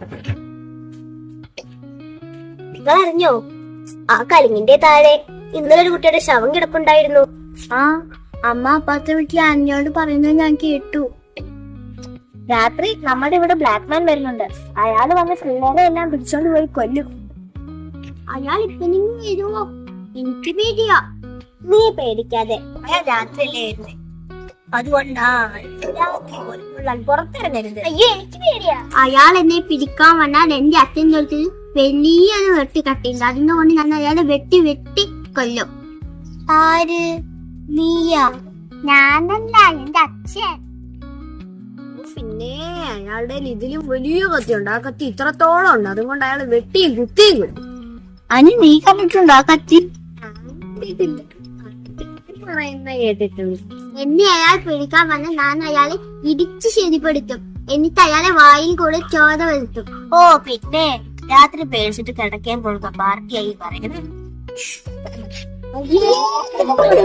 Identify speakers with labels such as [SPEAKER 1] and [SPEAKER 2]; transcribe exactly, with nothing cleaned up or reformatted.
[SPEAKER 1] നിങ്ങൾ അറിഞ്ഞോ, ആ കലിങ്ങിന്റെ താഴെ ഇന്നലെ ഒരു കുട്ടിയുടെ ശവം കിടപ്പുണ്ടായിരുന്നു.
[SPEAKER 2] ആ അമ്മ അപ്പുറത്തെ വീട്ടിലെ അനിയോട് പറയുന്നത് ഞാൻ കേട്ടു.
[SPEAKER 1] രാത്രി നമ്മുടെ ഇവിടെ ബ്ലാക്ക് മാൻ വരുന്നുണ്ട്. അയാൾ വന്ന് പിള്ളേരെ എല്ലാം പിടിച്ചോണ്ട് പോയി കൊല്ലും.
[SPEAKER 2] അയാൾ ഇപ്പൊ നിങ്ങൾ വരുമോ? എനിക്ക് പേടിയാ.
[SPEAKER 1] നീ പേടിക്കാതെ, അയാൾ രാത്രിയല്ലേ വരുന്നേ, അതുകൊണ്ടാ പുറത്തിറങ്ങരുത്.
[SPEAKER 2] അയ്യോ എനിക്ക് പേടിയാ. അയാൾ എന്നെ പിടിക്കാൻ വന്നാൽ എന്റെ അച്ഛൻ തൊട്ട് വലിയൊരു വെട്ടി കട്ടിയുണ്ട്. അതിനുകൊണ്ട് ഞാൻ അയാളെ വെട്ടി വെട്ടി കൊല്ലും.
[SPEAKER 1] ആര്? നീയാ?
[SPEAKER 2] ഞാനല്ല, എന്റെ അച്ഛൻ.
[SPEAKER 1] പിന്നെ അയാളുടെ ഇതിലും വലിയ കത്തിയുണ്ട്. ആ കത്തി ഇത്രത്തോളം ഉണ്ട്. അതുകൊണ്ട് അയാൾ വെട്ടിയും കുത്തിയും കൊല്ലും.
[SPEAKER 2] അനി നീ കണ്ടിട്ടുണ്ടോ ആ കത്തി?
[SPEAKER 1] പറയുന്ന കേട്ടിട്ടുണ്ട്.
[SPEAKER 2] എന്നെ അയാൾ പിടിക്കാൻ വന്ന ഞാൻ അയാളെ ഇടിച്ച് ശരിപ്പെടുത്തും. എന്നിട്ട് അയാളെ വായിൽ കൂടെ ചോര വരുത്തും.
[SPEAKER 1] ഓ പിന്നെ രാത്രി പേടിച്ചിട്ട് കിടക്കാൻ പോകുക പാർട്ടിയായി പറയുന്നത്.